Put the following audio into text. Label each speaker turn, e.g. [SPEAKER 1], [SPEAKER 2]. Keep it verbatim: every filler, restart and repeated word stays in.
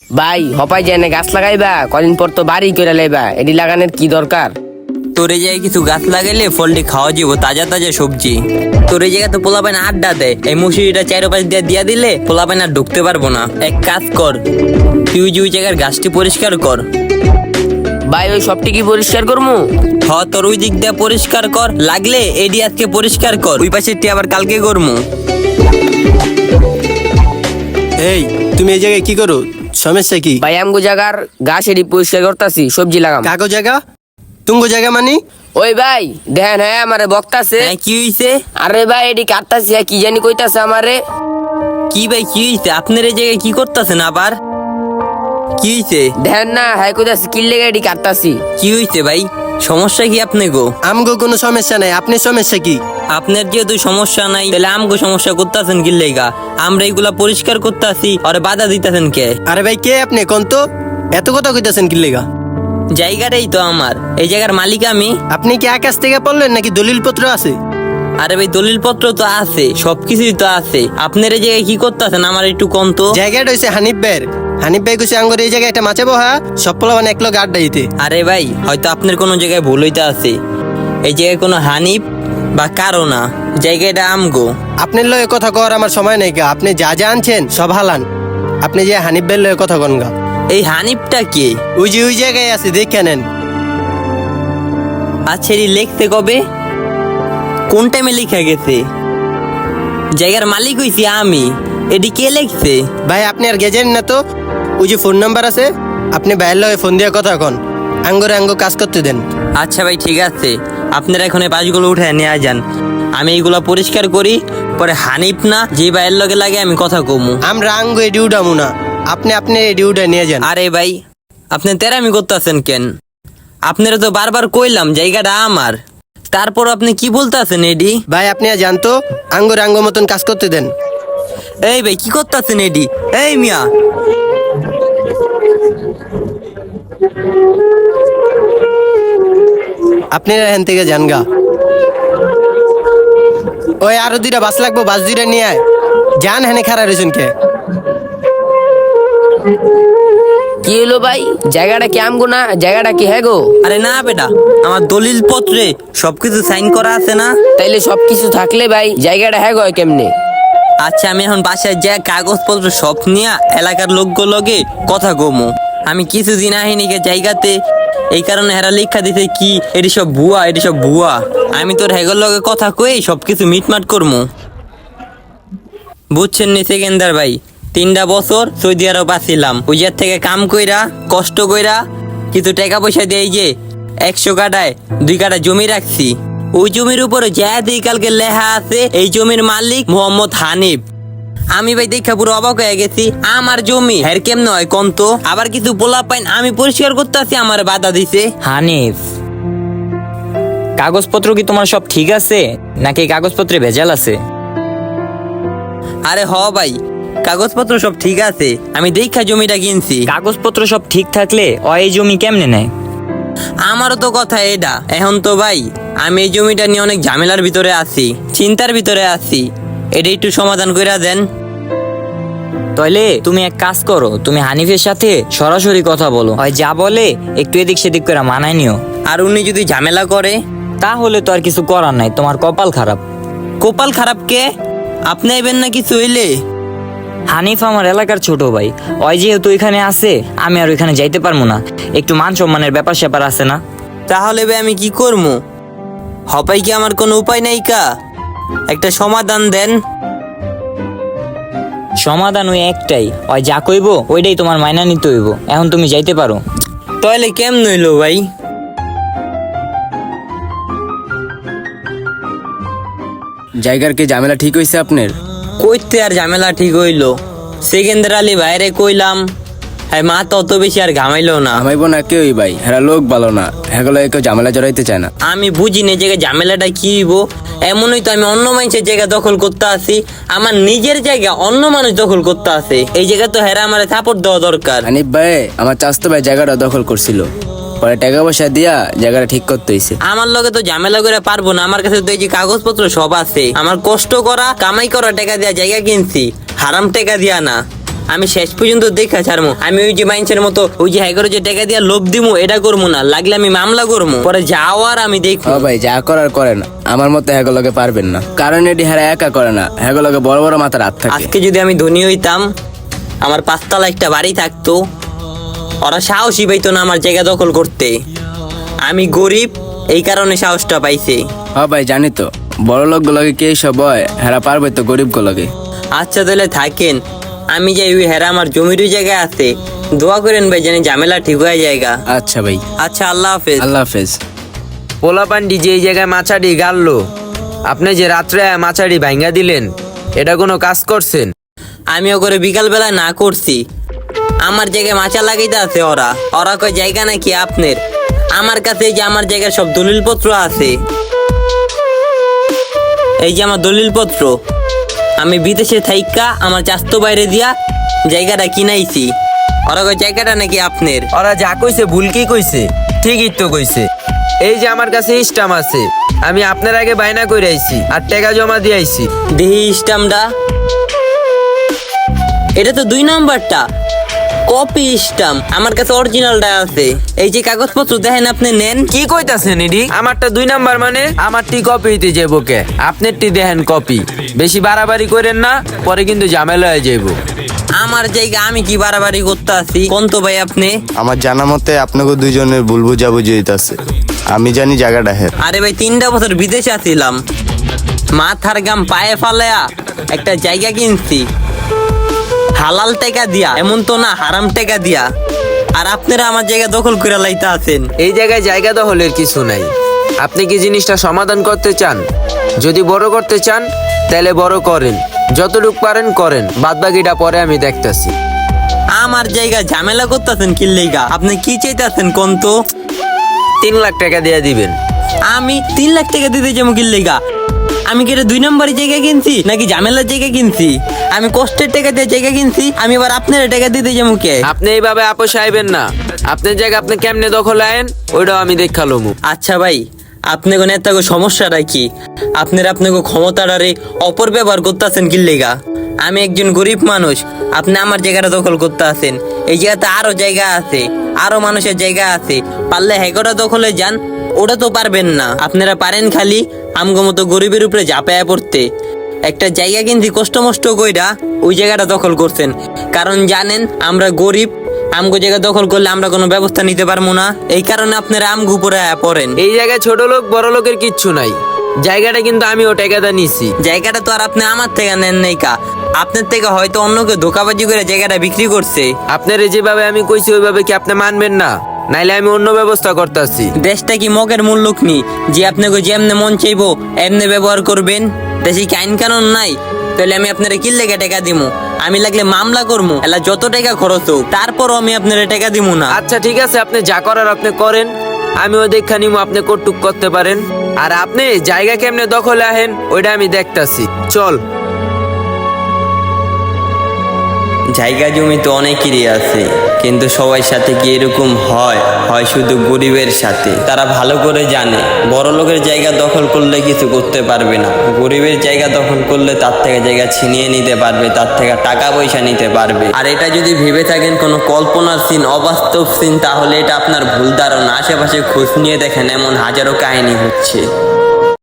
[SPEAKER 1] ভাই হপাই যায় না গাছ লাগাইবা, কদিন পর তো বাড়ি করে লাইবা, এটি লাগানোর কি দরকার?
[SPEAKER 2] তোর এই জায়গায় কিছু গাছ লাগাইলে ফলটি খাওয়া যাবো, তাজা তাজা সবজি। তোর এই জায়গায় তো পোলাপাইন আড্ডা দেয়, এই মুসুরিটা চারোপাশ দিয়ে দিয়া দিলে পোলাপাইন আর ঢুকতে পারবো না। এক কাজ কর, তুই যে ওই জায়গার গাছটি পরিষ্কার কর।
[SPEAKER 1] ভাই ওই সবটি কি পরিষ্কার করবো?
[SPEAKER 2] হ, তোর ওই দিক দিয়ে পরিষ্কার কর, লাগলে এডি আজকে পরিষ্কার কর, ওই পাশেরটি আবার কালকে করমু।
[SPEAKER 3] এই তুমি এই জায়গায় কি করো? সমস্যা কি?
[SPEAKER 1] ভাই আমগো জায়গার গাছ এটি পরিষ্কার করতেছি, সবজি লাগাম।
[SPEAKER 3] কাগো জায়গা তুঙ্গো জায়গা মানি?
[SPEAKER 1] ওই ভাই দেখেন, হ্যাঁ আমারে বক্তাছে।
[SPEAKER 2] হ্যাঁ, কি হইছে?
[SPEAKER 1] আরে ভাই এটি কাটতাছি, কি জানি কইতাছে আমারে।
[SPEAKER 2] কি ভাই কি হইছে? আপনার এই জায়গায় কি করতেছেন আবার? কি হইছে?
[SPEAKER 1] দেখেন না, হ্যাঁ কইতাছে কি লেগে এটি কাটতাছি।
[SPEAKER 2] কি হইছে ভাই? সমস্যা কি আপনি গো?
[SPEAKER 3] আমগো কোনো সমস্যা নাই, আপনি সমস্যা কি?
[SPEAKER 2] আপনার যেহেতু সমস্যা নাই, তাহলে আমগো সমস্যা করতেছেন কি লেগা? আমরা এইগুলা পরিষ্কার করতেছি, আর বাধা দিতেছেন কে?
[SPEAKER 3] আরে ভাই কে আপনি কোন তো? এত কথা কইতাছেন কি লেগা?
[SPEAKER 2] জায়গাটাই তো আমার, এই জায়গার মালিক আমি।
[SPEAKER 3] আপনি কি আকাশ থেকে পড়লেন নাকি দলিল পত্র আছে?
[SPEAKER 2] আরে ভাই দলিল পত্র তো আছে, সবকিছুই তো আছে। আপনার এই জায়গায় কি করতেছেন আমার একটু কম তো।
[SPEAKER 3] জায়গাটা হইছে হানিফ ভাইয়ের। হানিফ ভাই কইছে আঙ্গর এই জায়গায় একটা মাছে বহা, সব পোলাবান এক লোক আড্ডা দিতে।
[SPEAKER 2] আরে ভাই হয়তো আপনার কোনো জায়গায় ভুল হইতে আছে, এই জায়গায় কোনো হানিফ বা কারো না, জায়গাটা আমগো।
[SPEAKER 3] আপনার লয়ে কথা কর আমার সময় নাই গা, আপনি যা যা আনছেন সব হালান। আপনি যে হানিফ ভাইয়ের লয়ে কথা কন গা।
[SPEAKER 2] এই হানিফটা কে?
[SPEAKER 3] ওই যে ওই জায়গায় আছে, দেখে নেন।
[SPEAKER 2] আচ্ছা এটি লিখতে কবে, কোন টাইমে লেখা গেছে? জায়গার মালিক হইছি আমি, এটি কে লিখছে?
[SPEAKER 3] ভাই আপনি আর গেছেন না তো? ওই যে ফোন নাম্বার আছে, আপনি ভাইয়ের লগে ফোন দিয়ে কথা কন, আঙ্গরে আঙ্গ কাজ করতে দেন।
[SPEAKER 2] আচ্ছা ভাই ঠিক আছে, আপনারা এখন এই পাঁচগুলো উঠে নিয়ে যান, আমি এইগুলা পরিষ্কার করি, পরে হানিফ না যে ভাইয়ের লগে লাগে আমি কথা কমু।
[SPEAKER 3] আমরা আঙ্গ এডি উঠামু না, আপনি আপনি এডি উঠে নিয়ে যান।
[SPEAKER 2] আরে ভাই আপনি তেরামি করতেছেন কেন? আপনারা তো বারবার কইলাম জায়গাটা আমার, তারপর আপনি কি বলতেছেন এডি?
[SPEAKER 3] ভাই আপনি আর জানতো আঙ্গর আঙ্গ মতন কাজ করতে দেন।
[SPEAKER 2] এই ভাই কি করতেছেন এডি? এই মিয়া
[SPEAKER 3] আপনি এখান থেকে যান গা। ওই আরো দুইটা বাস লাগবো, বাস দুইটা নিয়ে আয়। যান, হেনে খারাপ রয়েছেন কে?
[SPEAKER 1] কি হলো ভাই, জায়গাটা কি আমগো না? জায়গাটা কি হ্যাঁ গো?
[SPEAKER 2] আরে না বেটা, আমার দলিল পত্রে সবকিছু সাইন করা আছে না।
[SPEAKER 1] তাইলে সবকিছু থাকলে ভাই জায়গাটা হ্যাঁ গো কেমনে?
[SPEAKER 2] আচ্ছা আমি এখন বাসায় যা কাগজপত্র সব নিয়ে এলাকার লোকগুলোকে কথা কমু। আমি কিছুদিন আহিনি কে জায়গাতে, এই কারণে হেরা লিখা দিতে কি এটি সব ভুয়া, এটি সব ভুয়া। আমি তোর হেগর লগে কথা কই সবকিছু মিটমাট করমু, বুঝছেন নি সেকেন্দার ভাই? তিনটা বছর সৌদি আরব আছিলাম, ওই জায়গা থেকে কাম কইরা কষ্ট কইরা কিছু টাকা পয়সা দিয়ে যে একশো কাটায় দুই কাটা জমি রাখছি। ওই জমির উপরে যা দিই কালকে লেখা আছে এই জমির মালিক মোহাম্মদ হানিফ। আমি ভাই দেখা পুরো অবাক হয়ে গেছি, আমার জমি হের কেমনে হয় কোন তো? আবার কিছু পোলা পাইন আমি পরিষ্কার করতে আসি, আমার বাধা দিছে।
[SPEAKER 4] হানিফ, কাগজপত্র কি তোমার সব ঠিক আছে নাকি কাগজপত্রে ভেজাল আছে?
[SPEAKER 2] আরে হ ভাই, কাগজপত্র সব ঠিক আছে, আমি দেখা জমিটা কিনছি।
[SPEAKER 4] কাগজপত্র সব ঠিক থাকলে ও এই জমি কেমনে নেয়?
[SPEAKER 2] আমারও তো কথা এটা। এখন তো ভাই আমি এই জমিটা নিয়ে অনেক ঝামেলার ভিতরে আছি, চিন্তার ভিতরে আছি, এটা একটু সমাধান করে দেন।
[SPEAKER 4] তাইলে তুমি এক কাজ করো, তুমি হানিফের সাথে সরাসরি কথা বলো, হয় যা বলে একটু এদিক সেদিক করে মানায় নিও।
[SPEAKER 2] আর উনি যদি ঝামেলা করে
[SPEAKER 4] তাহলে তো আর কিছু করার নাই, তোমার কপাল খারাপ।
[SPEAKER 2] কপাল খারাপ কে? আপনি আইবেন না কিছু হইলে?
[SPEAKER 4] হানিফ আমার এলাকার ছোট ভাই, ওই যেহেতু এখানে আছে আমি আর ওইখানে যাইতে পারবো না, একটু মান সম্মানের ব্যাপার স্যাপার আছে না?
[SPEAKER 2] তাহলে ভাই আমি কি করবো? হপাই কি আমার কোনো উপায় নাই কা? একটা সমাধান দেন।
[SPEAKER 4] সমাধান ওই একটাই, ওই যা কইব ওইটাই তোমার মাইনা নিতে হইব। এখন তুমি যাইতে পারো।
[SPEAKER 2] তাহলে কেমন হইলো ভাই?
[SPEAKER 5] জায়গার কি ঝামেলা ঠিক হয়েছে আপনার?
[SPEAKER 2] কইতে আর ঝামেলা ঠিক হইলো, সেকেন্দার আলী বাইরে কইলাম, হ্যাঁ মা তো অত বেশি আর ঘামাইলো না।
[SPEAKER 5] আমাইব না কেউই ভাই, হেরা লোক ভালো না, হেগুলো কেউ ঝামেলা জড়াইতে চায় না।
[SPEAKER 2] আমি বুঝি না জায়গায় ঝামেলাটা কি হইব। এমনই তো আমি অন্য মানুষের জায়গা দখল করতে আসি, আমার নিজের জায়গা অন্য মানুষ দখল করতে আসে, এই জায়গা তো হেরা আমার সাপোর্ট দেওয়া দরকার।
[SPEAKER 5] হানিফ ভাই আমার চাস্তো ভাই জায়গাটা দখল করছিল, পরে টাকা পয়সা দিয়া জায়গাটা ঠিক করতে হইছে।
[SPEAKER 2] আমার লগে তো ঝামেলা করে পারবো না, আমার কাছে তো এই যে কাগজপত্র সব আছে, আমার কষ্ট করা কামাই করা টাকা দিয়া জায়গা কিনছি, হারাম টাকা দিয়া না। আমি শেষ পর্যন্ত দেখা ছাড়মু। আমি ওই যে মাইন্সের মতো ওই যে হ্যাঁ যে টাকা দিয়া লোভ দিমু এটা করবো না, লাগলে আমি মামলা করবো, পরে যাওয়ার আমি দেখবো।
[SPEAKER 5] ও ভাই যা করার করেন, আমার মতে হ্যাগলকে পারবেন না, কারণ এটি হারা একা করে না, হ্যাগলকে বড় বড় মাথার হাত থাকে।
[SPEAKER 2] আজকে যদি আমি ধনী হইতাম, আমার পাঁচতলা একটা বাড়ি থাকতো, ওরা সাহসী পাইতো না আমার জায়গা দখল করতে। আমি গরিব, এই কারণে সাহসটা পাইছে।
[SPEAKER 5] ও ভাই জানি তো, বড় লোক গুলোকে কে সব হয়, হেরা পারবে তো গরিব গুলোকে।
[SPEAKER 2] আচ্ছা তাহলে থাকেন, আমি যাই, ওই হেরা আমার জমির ওই জায়গায় আছে, দোয়া করেন ভাই জানি ঝামেলা ঠিক হয়ে জায়গা।
[SPEAKER 5] আচ্ছা ভাই,
[SPEAKER 2] আচ্ছা আল্লাহ হাফেজ।
[SPEAKER 5] আল্লাহ হাফেজ।
[SPEAKER 6] পোলাপান্ডি যে এই জায়গায় মাছাড়ি গাড়লো, আপনি যে রাত্রে মাছাড়ি ভাঙ্গা দিলেন, এটা কোনো কাজ করছেন?
[SPEAKER 2] আমিও করে বিকাল বেলায় না করছি, আমার জায়গায় মাচা লাগাইতে আছে ওরা। ওরা কয় জায়গা নাকি আপনার, আমার কাছে এই যে আমার জায়গার সব দলিল পত্র আছে, এই যে আমার দলিল পত্র, আমি বিদেশে থাইকা আমার চাস্তো বাইরে দিয়া জায়গাটা কিনাইছি। ওরা কয় জায়গাটা নাকি আপনার।
[SPEAKER 6] ওরা যা কইছে ভুল কি কইছে, ঠিকই তো কইছে। এই যে আমার কাছে স্টাম্প আছে, আমি আপনার আগে বায়না করে আইছি আর টাকা জমা দিয়ে আইছি।
[SPEAKER 2] দেহি স্টাম্পটা, এটা তো দুই নাম্বারটা কপি স্টাম্প, আমার কাছে অরিজিনালটা আছে। এই যে কাগজপত্র দেখেন, আপনি নেন।
[SPEAKER 6] কি কইতাছেন এডি? আমারটা দুই নাম্বার মানে আমারটি কপি হইতে যাইব কে? আপনারটি দেখেন কপি। বেশি বাড়াবাড়ি করেন না, পরে কিন্তু ঝামেলা হয়ে যাইব।
[SPEAKER 2] আমার জায়গা আমি কি বাড়াবাড়ি করতে আসি কোন তো ভাই আপনি?
[SPEAKER 7] আমার জানা মতে আপনাকে দুইজনের ভুল বুঝাবুঝি হইতাছে। আমি জানি জায়গাটা হের।
[SPEAKER 2] আরে ভাই তিনটা বছর বিদেশে আছিলাম, মাথার গাম পায়ে ফালায়া একটা জায়গা কিনছি হালাল টাকা দিয়া, এমন তো না হারাম টাকা দিয়া। আর আপনারা আমার জায়গা দখল করে লাইতে আছেন।
[SPEAKER 6] এই জায়গায় জায়গা দখলের কিছু নাই। আপনি কি জিনিসটা সমাধান করতে চান? যদি বড় করতে চান তাহলে বড় করেন, যতটুক পারেন করেন, বাদ বাকিটা পরে আমি দেখতাছি।
[SPEAKER 2] আমার জায়গা ঝামেলা করতেছেন কি লেগা? আপনি কি চাইতেছেন কোন তো?
[SPEAKER 6] তিন লাখ টাকা দিয়ে দিবেন।
[SPEAKER 2] আমি তিন লাখ টাকা দিতে যাবো কি লেগা? আমি কি এটা দুই নম্বরের জায়গা কিনছি নাকি ঝামেলার জায়গা কিনছি? আমি কষ্টের টাকা দিয়ে জায়গা কিনছি, আমি এবার আপনার টাকা দিতে যাবো কে?
[SPEAKER 6] আপনি এইভাবে আপোষ আইবেন না। আপনার জায়গা আপনি কেমনে দখল আইন ওইটাও আমি দেখালোমু।
[SPEAKER 2] আচ্ছা ভাই, আপনাকে নেতাকে সমস্যাটা কি? আপনার আপনাকে ক্ষমতাটারে অপব্যবহার করতেছেন কি লেগা? আমি একজন গরিব মানুষ, আপনি আমার জায়গাটা দখল করতে আছেন। এই জায়গাতে আরো জায়গা আছে, আরো মানুষের জায়গা আছে, পারলে হেগোটা দখলে যান, ওটা তো পারবেন না। আপনারা পারেন খালি আমগো মতো গরিবের উপরে ঝাঁপায়া পড়তে। একটা জায়গা কিন্তু কষ্ট মষ্ট কইরা ওই জায়গাটা দখল করছেন, কারণ জানেন আমরা গরিব, আমগো জায়গা দখল করলে আমরা কোনো ব্যবস্থা নিতে পারবো না, এই কারণে আপনারা আমগো উপরে আয়া পড়েন।
[SPEAKER 6] এই জায়গায় ছোট লোক বড় লোকের কিচ্ছু নাই। জায়গাটা কিন্তু আমি ও টাকাটা নিছি।
[SPEAKER 2] জায়গাটা তো আর আপনি আমার থেকে নেন নাই কা, আপনার থেকে হয়তো অন্য কেউ ধোকাবাজি করে জায়গাটা বিক্রি করছে।
[SPEAKER 6] আপনার যেভাবে আমি কইছি ওইভাবে কি আপনি মানবেন না? নাইলে আমি অন্য ব্যবস্থা করতেছি।
[SPEAKER 2] দেশটা কি মগের মূল্যক নি যে আপনাকে যেমনে মন চাইবো এমনি ব্যবহার করবেন? দেশে কি আইন কানুন নাই? তাহলে আমি আপনারা কি লেগে টাকা দিমু? আমি লাগলে মামলা করবো, এলা যত টাকা খরচ হোক, তারপরও আমি আপনারা টাকা দিমু না।
[SPEAKER 6] আচ্ছা ঠিক আছে, আপনি যা করার আপনি করেন, আমিও দেখা নিমু আপনি কটুক করতে পারেন। আর আপনি জায়গা কেমনে দখলে আহেন ওইটা আমি দেখতাছি। চল।
[SPEAKER 2] জায়গা জমি তো অনেকেরই আছে, কিন্তু সবার সাথে কি এরকম হয়? হয় শুধু গরিবের সাথে। তারা ভালো করে জানে বড় লোকের জায়গা দখল করলে কিছু করতে পারবে না, গরিবের জায়গা দখল করলে তার থেকে জায়গা ছিনিয়ে নিতে পারবে, তার থেকে টাকা পয়সা নিতে পারবে। আর এটা যদি ভেবে থাকেন কোনো কল্পনার সিন, অবাস্তব সিন, তাহলে এটা আপনার ভুল ধারণা। আশেপাশে খোঁজ নিয়ে দেখেন এমন হাজারো কাহিনী হচ্ছে।